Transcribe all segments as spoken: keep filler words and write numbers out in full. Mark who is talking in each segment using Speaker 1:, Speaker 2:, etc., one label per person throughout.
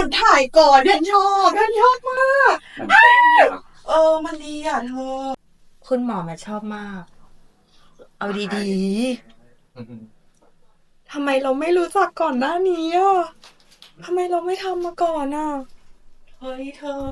Speaker 1: ยุดถ่ายก่อนฉันชอบฉันชอบมากเออมันดีอ่ะเธอคุณหมอแม่ชอบมากเอาดีๆทำไมเราไม่รู้จักก่อนหน้านี้อ่ะทำไมเราไม่ทำมาก่อนอ่ะเฮ้ยเธอ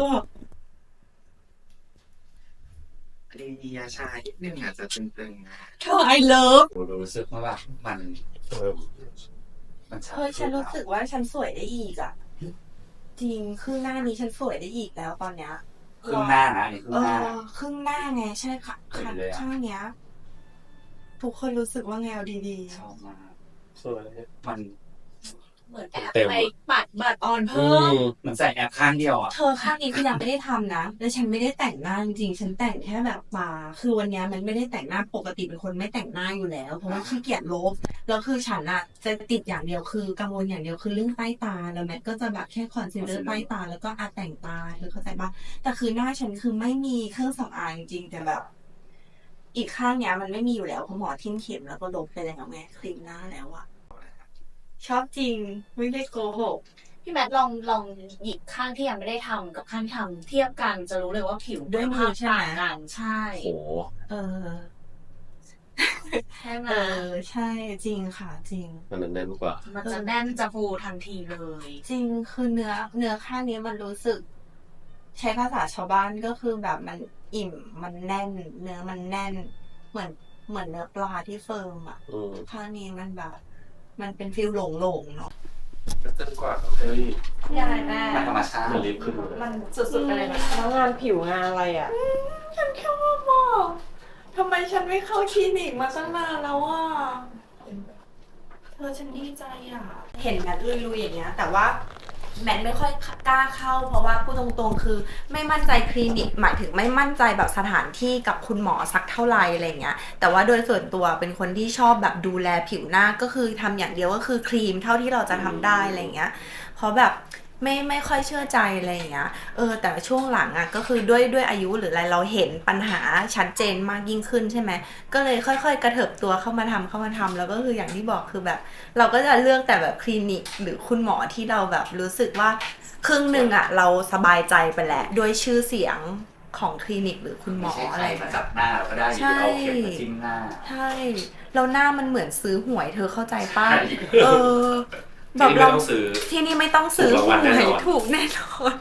Speaker 2: ดียาชานิดนึงอาจจะตึงๆนะ
Speaker 1: เธอ I love
Speaker 2: ผมรู้สึกว่าแบบมันเออมัน
Speaker 1: เฮ้ยฉันรู้สึกว่าฉันสวยได้อีกอ่ะจริงครึ่งหน้านี้ฉันสวยได้อีกแล้วตอนเนี้ย
Speaker 2: ครึ่งหน้านะนี่ครึ่
Speaker 1: เอง
Speaker 2: หน้า
Speaker 1: อครึ่งหน้าไงใช่ค่ะข้างเนี้ยทุกคนรู้สึกว่าไงเอาดี
Speaker 2: ชอบมาก
Speaker 3: สวย
Speaker 2: มัน
Speaker 4: เหมือนแอบไปปัดบัตร
Speaker 1: ๆอ่อนเพิ่ม
Speaker 2: เหมือนใส่แอปข้างเดียวอ่ะ
Speaker 1: เธอข้างนี้คือยังไม่ได้ทำนะแล้วฉันไม่ได้แต่งหน้าจริงๆฉันแต่งแค่แบบตาคือวันนี้มันไม่ได้แต่งหน้าปกติเป็นคนไม่แต่งหน้าอยู่แล้วเพราะว่าขี้เกียจลบแล้วคือฉันอะจะติดอย่างเดียวคือกังวลอย่างเดียวคือเรื่องใต้ตาแล้วแมทก็จะแบบแค่คอนซีลเลอร์ใต้ตาแล้วก็อาแต่งตาเธอเข้าใจปะแต่คือหน้าฉันคือไม่มีเครื่องสำอางจริงแต่แบบ อีกข้างเนี้ยมันไม่มีอยู่แล้วเพราะหมอทิ่มเข็มแล้วก็ลบไปแล้วไงครีมหน้าแล้วอะชอบจริงไม่ได้โกหก
Speaker 4: พี่แมทลองลองหยิบข้างที่ยังไม่ได้ทำกับข้างที่ทำเทียบกันจะรู้เลยว่าผิว
Speaker 1: ด้วยมือใช่ไหม
Speaker 4: กันใช่
Speaker 3: โอ้
Speaker 1: เออ
Speaker 4: ใช่ไหม
Speaker 1: เออใช่จริงค่ะจริง
Speaker 3: มันแน่นกว่า
Speaker 4: มันจะแน่นจะฟูทันทีเลย
Speaker 1: จริงคือเนื้อเนื้อข้างนี้มันรู้สึก ใช้ภาษาชาวบ้านก็คือแบบมันอิ่มมันแน่น เนื้อมันแน่น เหมือนเหมือนเนื้อปลาที่เฟิร์มอ่ะข้างนี้มันแบบ มันเป็นฟิลหลงๆเนาะ
Speaker 3: เต้นกว่าเฮ้ย
Speaker 4: ยังไงแม่
Speaker 2: มันธรรมชาติ
Speaker 3: มันลิฟขึ้น
Speaker 4: มันสุดๆไปเลยนะ
Speaker 1: แล้วงานผิวงานอะไรอ่ะฉันชอบมากทำไมฉันไม่เข้าคลินิกมาตั้งนานแล้วอ่ะเธอฉันดีใจอ่ะเห็นแมทลุยๆอย่างเงี้ยแต่ว่าแมทไม่ค่อยกล้าเข้าเพราะว่าพูดตรงๆคือไม่มั่นใจคลินิกหมายถึงไม่มั่นใจแบบสถานที่กับคุณหมอสักเท่าไหร่อะไรเงี้ยแต่ว่าโดยส่วนตัวเป็นคนที่ชอบแบบดูแลผิวหน้าก็คือทำอย่างเดียวก็คือครีมเท่าที่เราจะทำได้อะไรเงี้ยเพราะแบบไม่ไม่ค่อยเชื่อใจอะไรอย่างเงี้ยเออแต่ช่วงหลังอ่ะก็คือด้วยด้วยอายุหรืออะไรเราเห็นปัญหาชัดเจนมากยิ่งขึ้นใช่ไหมก็เลยค่อยๆกระเถิบตัวเข้ามาทำเข้ามาทำแล้วก็คืออย่างที่บอกคือแบบเราก็จะเลือกแต่แบบคลินิกหรือคุณหมอที่เราแบบรู้สึกว่าครึ่งหนึ่งอ่ะเราสบายใจไปแล้วด้วยชื่อเสียงของคลินิกหรือคุณหมออะไร
Speaker 2: มาจับหน้าเราก็ได้หรือเอาเข็มมาจิ้มหน้า
Speaker 1: ใช่แล้วหน้ามันเหมือนซื้อหวยเธอเข้าใจป่ะเออ
Speaker 3: แบบเรา
Speaker 1: ที่นี่ไม่ต้องซื้อหวยถูกแน่นอน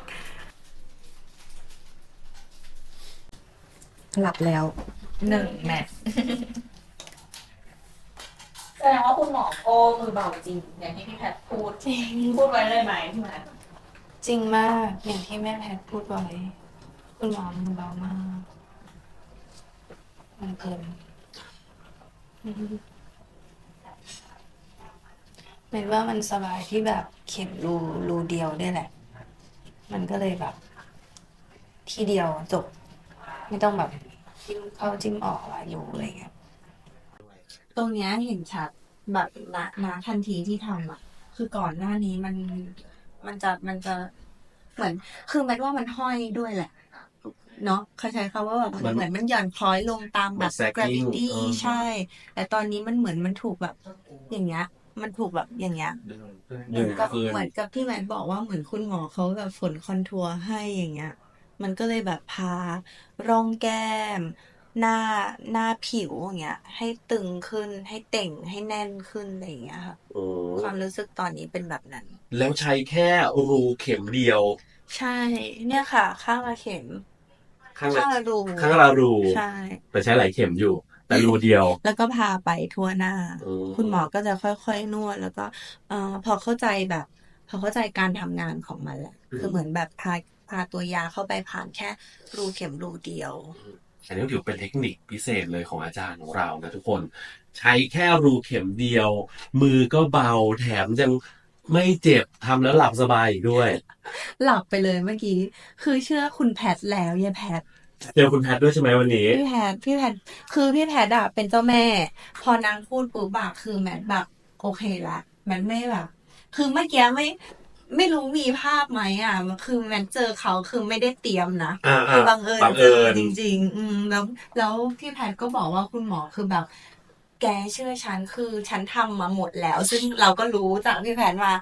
Speaker 1: หลับแล้วหนึ่งแมท
Speaker 4: แสดงว่าคุณหมอโอ้มือเบาจริงอย่างที่พี่แพทพูดจริงพูดไว้เลยไหมพี่แมท
Speaker 1: จริงมากอย่างที่แม่แพทพูดไว้คุณหมอมือเบามากมันเพลินแม้ว่ามันสบายที่แบบเข็มรูรูเดียวได้แหละมันก็เลยแบบทีเดียวจบไม่ต้องแบบจิ้มเข้าจิ้มออกอะไรอยู่อะไรเงี้ยตรงเนี้ยเห็นชัดแบบนะนะทันทีที่ทำอ่ะคือก่อนหน้านี้มันมันจะมันจะเหมือนคือแม้ว่ามันห้อยด้วยแหละเนาะเขาใช้คำว่าแบบเหมือนมันหย่อนคล้อยลงตามแบบ gravity ใช่แต่ตอนนี้มันเหมือนมันถูกแบบอย่างเงี้ยมันถูกแบบอย่างเงี้ยเหมือนกับเหมือนกับที่แมทบอกว่าเหมือนคุณหมอเขาแบบฝนคอนทัวร์ให้อย่างเงี้ยมันก็เลยแบบพาร่องแก้มหน้าหน้าผิวอย่างเงี้ยให้ตึงขึ้นให้เต่งให้แน่นขึ้นอะไรอย่างเงี้ยค่ะความรู้สึกตอนนี้เป็นแบบนั้น
Speaker 3: แล้วใช้แค่รูเข็มเดียว
Speaker 1: ใช่เนี่ยค่ะข้างละเข็ม
Speaker 3: ข้างละรูข้างละรู
Speaker 1: ใช่
Speaker 3: แต่ใช้หลายเข็มอยู่แต่รูเดียว
Speaker 1: แล้วก็พาไปทั่วหน้าคุณหมอก็จะค่อยๆนวดแล้วก็เอ่อพอเข้าใจแบบพอเข้าใจการทำงานของมันแหละคือเหมือนแบบพาพาตัวยาเข้าไปผ่านแค่รูเข็มรูเดียว
Speaker 3: อันนี้ถือเป็นเทคนิคพิเศษเลยของอาจารย์ของเรานะทุกคนใช้แค่รูเข็มเดียวมือก็เบาแถมยังไม่เจ็บทำแล้วหลับสบายอีกด้วย
Speaker 1: หลับไปเลยเมื่อกี้คือเชื่อคุณแพทแล้วยายแพท
Speaker 3: เจอคุณแพทด้วยใช่ไหมวันนี้
Speaker 1: พี่แพทพี่แพทคือพี่แพทอะเป็นเจ้าแม่พอนางพูดปุ๊บอะคือแมทแบบโอเคละแมทไม่แบบคือเมื่อกี้ไม่ไม่รู้มีภาพไหมอ่ะคือแมทเจอเขาคือไม่ได้เตรียมนะคือบังเอิญเจอจริงๆอืมแล้วแล้วพี่แพทก็บอกว่าคุณหมอคือแบบแกเชื่อฉันคือฉันทำมาหมดแล้วซึ่งเราก็รู้จากพี่แพทว่า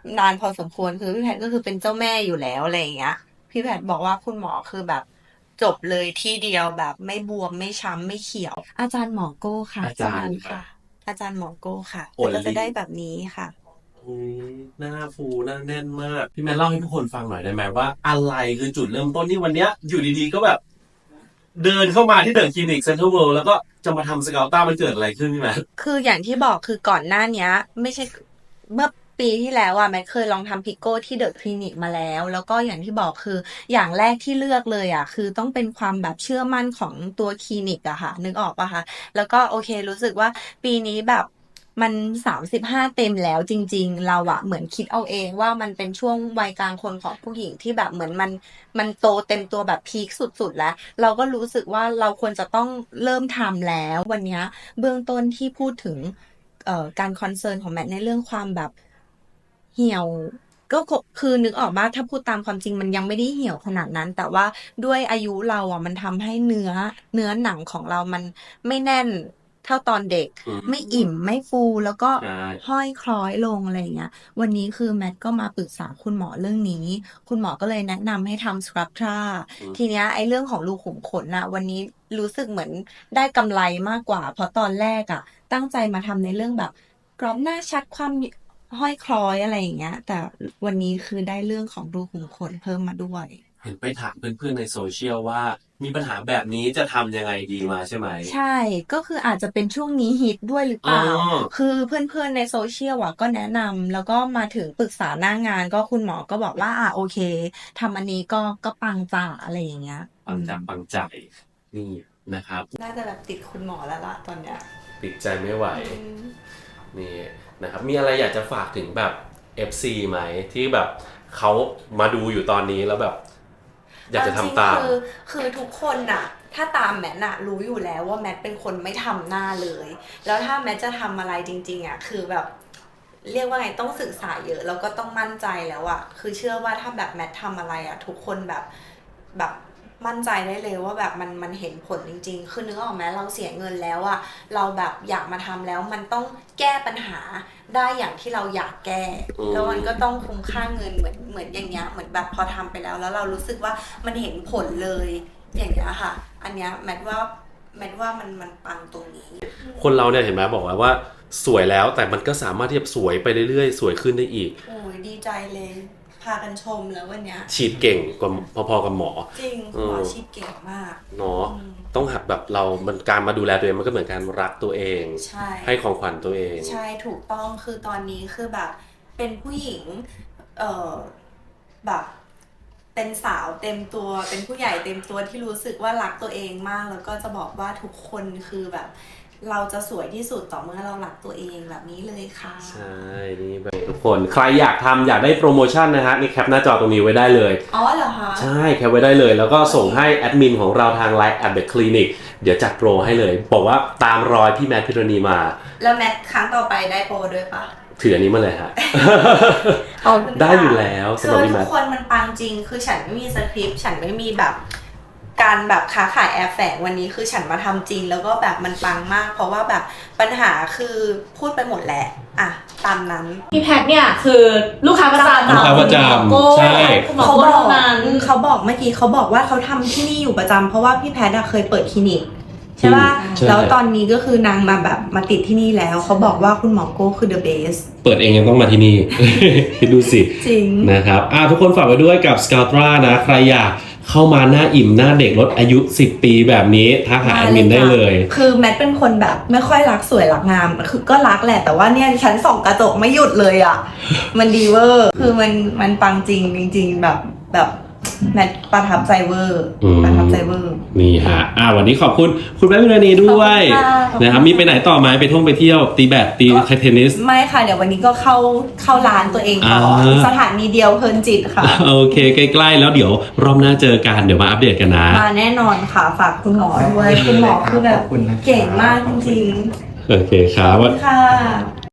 Speaker 1: นานพอสมควรคือพี่แพทย์ก็คือเป็นเจ้าแม่อยู่แล้วอะไรอย่างเงี้ยพี่แพทย์บอกว่าคุณหมอคือแบบจบเลยที่เดียวแบบไม่บวมไม่ช้ำไม่เขียว อาจารย์หมอโก้ค่ะ
Speaker 3: อาจารย์
Speaker 1: ค่ะ อาจารย์หมอโก้ค่ะ
Speaker 3: โอ้ย
Speaker 1: ก็จะได้แบบนี้ค่ะ
Speaker 3: อุ๊ยหน้าฟูหน้าแน่นมาก พี่แมนเล่าให้ทุกคนฟังหน่อยได้ไหมว่าอะไรคือจุดเริ่มต้นที่วันเนี้ยอยู่ดีๆก็แบบ เดินเข้ามาที่เดอะคลินิกเซ็นทรัลเวิลด์แล้วก็จะมาทำสเกลต้ามันเกิดอะไรขึ้นพี่แมน
Speaker 1: คืออย่างที่บอกคือก่อนหน้าเนี้ย ไม่ใช่เมื่อปีที่แล้วอ่ะแมทเคยลองทำพิโก้ที่เดอะคลินิกมาแล้ว แล้วก็อย่างที่บอกคืออย่างแรกที่เลือกเลยอ่ะคือต้องเป็นความแบบเชื่อมั่นของตัวคลินิกอะค่ะนึกออกปะคะแล้วก็โอเครู้สึกว่าปีนี้แบบมันสามสิบห้าเต็มแล้วจริงๆเราอะเหมือนคิดเอาเองว่ามันเป็นช่วงวัยกลางคนของผู้หญิงที่แบบเหมือนมันมันโตเต็มตัวแบบพีคสุดๆแล้วเราก็รู้สึกว่าเราควรจะต้องเริ่มทำแล้ววันเนี้ยเบื้องต้นที่พูดถึงเอ่อการคอนเซิร์นของแมทในเรื่องความแบบเหี่ยวก็คือนึกออกว่าถ้าพูดตามความจริงมันยังไม่ได้เหี่ยวขนาดนั้น แต่ว่าด้วยอายุเราอ่ะมันทำให้เนื้อเนื้อหนังของเรามันไม่แน่นเท่าตอนเด็ก
Speaker 3: อืม
Speaker 1: ไม่อิ่มไม่ฟูแล้วก็
Speaker 3: ใช่
Speaker 1: ห้อยคล้อยลงอะไรอย่างเงี้ยวันนี้คือแมทก็มาปรึกษาคุณหมอเรื่องนี้ คุณหมอก็เลยแนะนำให้ทำสครับทรา
Speaker 3: อืม
Speaker 1: ทีเนี้ยไอ้เรื่องของรูขุมขนน่ะวันนี้รู้สึกเหมือนได้กำไรมากกว่า เพราะตอนแรกอ่ะ ตั้งใจมาทำในเรื่องแบบกรอบหน้าชัดความห้อยคล้อยอะไรอย่างเงี้ย แต่วันนี้คือได้เรื่องของรูขุมขนเพิ่มมาด้วย
Speaker 3: เห็นไปถามเพื่อนๆในโซเชียลว่ามีปัญหาแบบนี้จะทำยังไงดีมาใช่ไหม
Speaker 1: ใช่ ก็คืออาจจะเป็นช่วงนี้ฮิตด้วยหรือเปล่า
Speaker 3: อ๋อ
Speaker 1: คือเพื่อนๆในโซเชียลอ่ะก็แนะนำแล้วก็มาถึงปรึกษาหน้างานก็คุณหมอก็บอกว่าอ่ะโอเคทำอันนี้ก็ก็ปังจ่าอะไรอย่างเงี้ย
Speaker 3: ปังจับปังใจนี่นะครับ
Speaker 1: น่าจะแบบติดคุณหมอแล้วล่ะตอนเนี้ย
Speaker 3: ติดใจไม่ไหว นี่นะครับ มีอะไรอยากจะฝากถึงแบบ เอฟ ซี ไหมที่แบบเขามาดูอยู่ตอนนี้แล้วแบบ อยากจะทำตาม
Speaker 1: เอจริงๆคือคือทุกคนน่ะ ถ้าตามแมทน่ะรู้อยู่แล้วว่าแมทเป็นคนไม่ทำหน้าเลย แล้วถ้าแมทจะทำอะไรจริงๆอ่ะคือแบบ เรียกว่าไงต้องศึกษาเยอะแล้วก็ต้องมั่นใจแล้วอ่ะคือเชื่อว่าถ้าแบบแมททำอะไรอ่ะทุกคนแบบแบบมั่นใจได้เลยว่าแบบมันมันเห็นผลจริงๆคือนึกออกไหมเราเสียเงินแล้วอ่ะเราแบบอยากมาทำแล้วมันต้องแก้ปัญหาได้อย่างที่เราอยากแก้
Speaker 3: อืม
Speaker 1: แล้วมันก็ต้องคุ้มค่าเงินเหมือนเหมือนอย่างเงี้ยเหมือนแบบพอทำไปแล้ว แล้วเรารู้สึกว่ามันเห็นผลเลยอย่างเงี้ยค่ะ อันเนี้ยแมทว่าแมทว่ามันมันปังตรงนี้
Speaker 3: คนเราเนี่ยเห็นไหมบอกว่าว่าสวยแล้วแต่มันก็สามารถที่จะสวยไปเรื่อยๆ สวยขึ้นได้อีก
Speaker 1: โอ้ยดีใจเลย พากันชมแล้ววันเนี้ย
Speaker 3: ฉีดเก่งกว่าพอๆกับหมอ
Speaker 1: จริง
Speaker 3: อืม
Speaker 1: หมอชีพเก่งมาก
Speaker 3: เนาะ
Speaker 1: อืม
Speaker 3: ต้องหัดแบบเรา มันการมาดูแลตัวเองมันก็เหมือนการรักตัวเอง
Speaker 1: ใช่
Speaker 3: ให้ของขวัญตัวเอง
Speaker 1: ใช่ถูกต้องคือตอนนี้คือแบบ เป็นผู้หญิง เอ่อแบบ เป็นสาวเต็มตัว เป็นผู้ใหญ่เต็มตัวที่รู้สึกว่ารักตัวเองมาก แล้วก็จะบอกว่าทุกคนคือแบบ เราจะสวยที่สุดต่อเมื่อเรารักตัวเองแบบนี้เลยค่ะ
Speaker 3: ใช่ นี่แบบทุกคน ใครอยากทำอยากได้โปรโมชั่นนะฮะ นี่แคปหน้าจอตรงนี้ไว้ได้เลย
Speaker 1: อ๋อเหรอคะ
Speaker 3: ใช่ แคปไว้ได้เลย แล้วก็ส่งให้แอดมินของเราทาง ไลน์ แอท เดอะ คลินิก เดี๋ยวจัดโปรให้เลย บอกว่าตามรอยพี่แมทพิรณีมา
Speaker 1: แล้วแมทครั้งต่อไปได้โปรด้วยปะ
Speaker 3: ถืออันนี้มาเลยฮะ
Speaker 1: ขอบคุณค่ะ
Speaker 3: ได้อยู่แล้วสำหรับ
Speaker 1: คือ
Speaker 3: พี่
Speaker 1: ทุ
Speaker 3: แม
Speaker 1: ก
Speaker 3: ท
Speaker 1: คนมันปังจริง คือฉันไม่มีสคริปต์ ฉันไม่มีแบบ การแบบค้าขายแอบแฝงวันนี้คือฉันมาทำจริง แล้วก็แบบมันปังมาก เพราะว่าแบบปัญหาคือพูดไปหมดแหละอ่ะตามนั้น
Speaker 4: พี่แพทเนี่ยคือลูกค้าประจำ
Speaker 3: ลูกค้าประจำ
Speaker 4: โก้
Speaker 3: ใช่
Speaker 4: คุณหมอ
Speaker 1: เขา
Speaker 4: โก้
Speaker 1: บอก
Speaker 4: เท่านั้น
Speaker 1: เขาบอกเมื่อกี้เขาบอกว่าเขาทำที่นี่อยู่ประจำเพราะว่าพี่แพทย์อะเคยเปิดคลินิกใช่ป่ะ
Speaker 3: ใช่
Speaker 1: แล้วตอนนี้ก็คือนางมาแบบมาติดที่นี่แล้ว เขาบอกว่าคุณหมอโก้คือ the best
Speaker 3: เปิดเองยังต้องมาที่นี่ คิดดูสิ
Speaker 1: จริง
Speaker 3: นะครับอ่ะทุกคนฝากไว้ด้วยกับ ส ซี เอ แอล ที อาร์ นะ ใครอยากเข้ามาหน้าอิ่มหน้าเด็กลดอายุสิบปีแบบนี้ทักหาแอดมินได้เลย
Speaker 1: คือแมทเป็นคนแบบไม่ค่อยรักสวยรักงาม คือก็รักแหละ แต่ว่าเนี่ยฉันส่องกระจกไม่หยุดเลยอ่ะ มันดีเวอร์ คือมันมันปังจริงจริง ๆ แบบแบบแมทประทับใจเวอร์
Speaker 3: อืม
Speaker 1: ประทับใจเวอร์
Speaker 3: นี่ฮะอ่ะวันนี้ขอบคุณคุณแม่พิรณีด้วย
Speaker 1: ขอบคุณค่ะขอบคุณ
Speaker 3: นะครับมีไปไหนต่อไหมไปท่องไปเที่ยวตีแบดตีเทนนิส
Speaker 1: ไม่ค่ะ เดี๋ยววันนี้ก็เข้าเข้าร้านตัวเองต่อ
Speaker 3: อ่า
Speaker 1: สถานีเดียวเพลินจิตค่ะ
Speaker 3: โอเคใกล้ๆแล้วเดี๋ยวรอบหน้าเจอกันเดี๋ยวมาอัปเดตกันนะ
Speaker 1: มาแน่นอนค่ะ ฝากคุณหมอด้วย คุณหมอคือแบบ
Speaker 2: ขอบคุณนะครับ
Speaker 1: เก่งมากจริง
Speaker 3: โอเคครั
Speaker 1: ๆข
Speaker 3: บ
Speaker 1: อบคุณค่ะ